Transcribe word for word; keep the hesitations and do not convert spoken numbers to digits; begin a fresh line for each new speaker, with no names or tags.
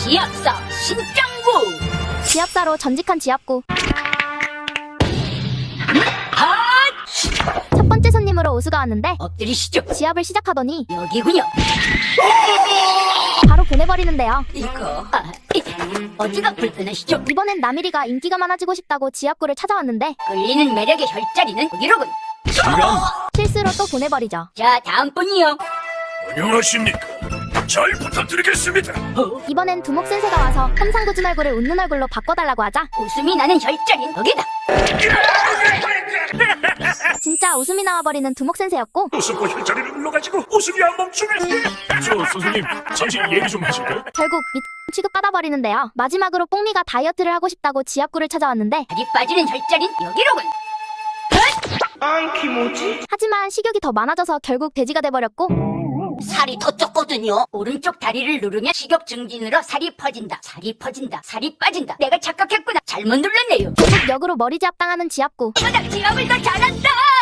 지압사 신짱구.
지압사로 전직한 지압구.
아,
첫 번째 손님으로 우수가 왔는데
엎드리시죠.
지압을 시작하더니
여기군요.
바로 보내버리는데요.
이거 아, 이, 어디가 불편하시죠?
이번엔 나미리가 인기가 많아지고 싶다고 지압구를 찾아왔는데
끌리는 매력의 혈자리는 여기로군.
실수로 또 보내버리죠.
자, 다음 분이요.
안녕하십니까. 잘 부탁드리겠습니다.
어?
이번엔 두목센세가 와서 험상궂은 얼굴을 웃는 얼굴로 바꿔달라고 하자
웃음이 나는 혈자리는 여기다.
진짜 웃음이 나와버리는 두목센세였고
웃음과 혈자리를 눌러가지고 웃음이 안 멈추네. 저 선생님 잠시 얘기 좀 하실까요?
결국 밑 취급받아버리는데요. 마지막으로 뽕미가 다이어트를 하고 싶다고 지압구를 찾아왔는데
다리 빠지는 혈자리는 여기로군.
하지만 식욕이 더 많아져서 결국 돼지가 돼버렸고
살이 더 쪘거든요. 오른쪽 다리를 누르면 식욕 증진으로 살이 퍼진다. 살이 퍼진다. 살이 빠진다. 내가 착각했구나. 잘못 눌렀네요.
결국 역으로 머리 지압당하는 지압구.
이러다 지압을 더 잘한다.